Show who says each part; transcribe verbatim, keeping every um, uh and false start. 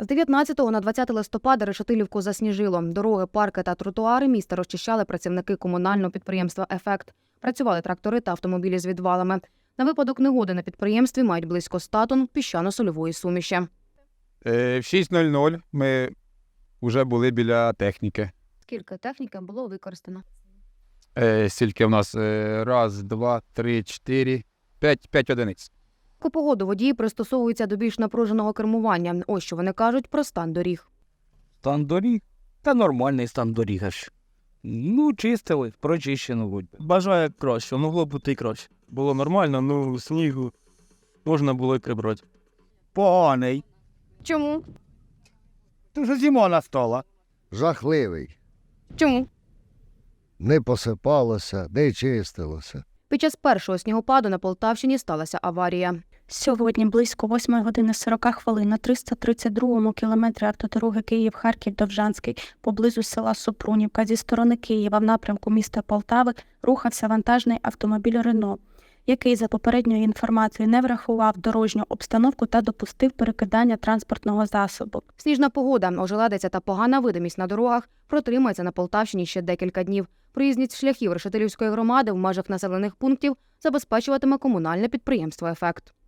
Speaker 1: З дев'ятнадцятого на двадцяте листопада Решетилівку засніжило. Дороги, парки та тротуари міста розчищали працівники комунального підприємства «Ефект». Працювали трактори та автомобілі з відвалами. На випадок негоди на підприємстві мають близько ста тонн піщано-сольової суміші.
Speaker 2: Е, В шість нуль нуль ми вже були біля техніки.
Speaker 1: Скільки техніки було використано?
Speaker 2: Е, Стільки в нас? Е, Раз, два, три, чотири, п'ять, п'ять одиниць.
Speaker 1: У погоду водії пристосовуються до більш напруженого кермування. Ось що вони кажуть про стан доріг.
Speaker 3: Стан доріг? Та нормальний стан доріг аж. Ну, чистили, прочищено будь.
Speaker 4: Бажаю краще, могло бути і краще. Було нормально, ну снігу можна було і прибрати.
Speaker 3: Поганий.
Speaker 1: Чому?
Speaker 3: Дуже зима настала.
Speaker 5: Жахливий.
Speaker 1: Чому?
Speaker 5: Не посипалося, не чистилося.
Speaker 1: Під час першого снігопаду на Полтавщині сталася аварія.
Speaker 6: Сьогодні близько восьмої години сорока хвилин на триста тридцять другому кілометрі автодороги Київ-Харків-Довжанський поблизу села Супрунівка зі сторони Києва в напрямку міста Полтави рухався вантажний автомобіль «Рено», який, за попередньою інформацією, не врахував дорожню обстановку та допустив перекидання транспортного засобу.
Speaker 1: Сніжна погода, ожеледиця та погана видимість на дорогах протримається на Полтавщині ще декілька днів. Проїзність шляхів Решетилівської громади в межах населених пунктів забезпечуватиме комунальне підприємство «Ефект».